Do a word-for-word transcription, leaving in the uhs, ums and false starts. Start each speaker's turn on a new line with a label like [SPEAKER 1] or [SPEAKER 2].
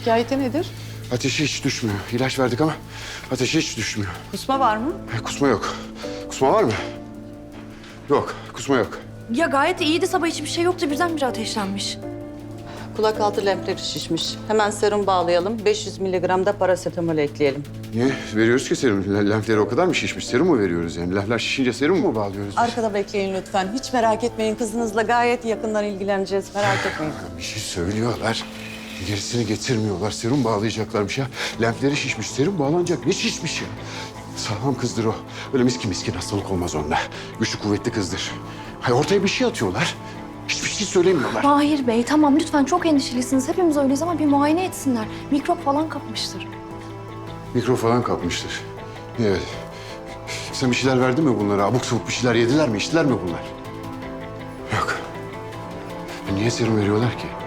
[SPEAKER 1] şikayeti nedir?
[SPEAKER 2] Ateşi hiç düşmüyor. İlaç verdik ama ateşi hiç düşmüyor.
[SPEAKER 1] Kusma var mı?
[SPEAKER 2] E, kusma yok. Kusma var mı? Yok, kusma yok.
[SPEAKER 3] Ya gayet iyiydi, sabah hiçbir şey yoktu, birdenbire ateşlenmiş.
[SPEAKER 1] Kulak altı lenfleri şişmiş. Hemen serum bağlayalım. beş yüz miligram da parasetamol ekleyelim.
[SPEAKER 2] Niye? Veriyoruz ki serum. L- Lenfleri o kadar mı şişmiş? Serum mu veriyoruz yani? Lenfler şişince serum mu bağlıyoruz?
[SPEAKER 1] Arkada bekleyin lütfen. Hiç merak etmeyin. Kızınızla gayet yakından ilgileneceğiz. Merak etmeyin.
[SPEAKER 2] Bir şey söylüyorlar. Gerisini getirmiyorlar. Serum bağlayacaklarmış ya. Lenfleri şişmiş. Serum bağlanacak. Ne şişmiş ya? Sağlam kızdır o. Öyle miskin miskin hastalık olmaz onda. Güçlü kuvvetli kızdır. Hay ortaya bir şey atıyorlar. Hiçbir şey söylemiyorlar.
[SPEAKER 3] Mahir Bey, tamam lütfen, çok endişelisiniz. Hepimiz öyleyiz ama bir muayene etsinler. Mikrop falan kapmıştır.
[SPEAKER 2] Mikro falan kapmıştır. Evet. Sen bir şeyler verdin mi bunlara? Abuk sabuk bir şeyler yediler mi, içtiler mi bunlar? Yok. Niye serum veriyorlar ki?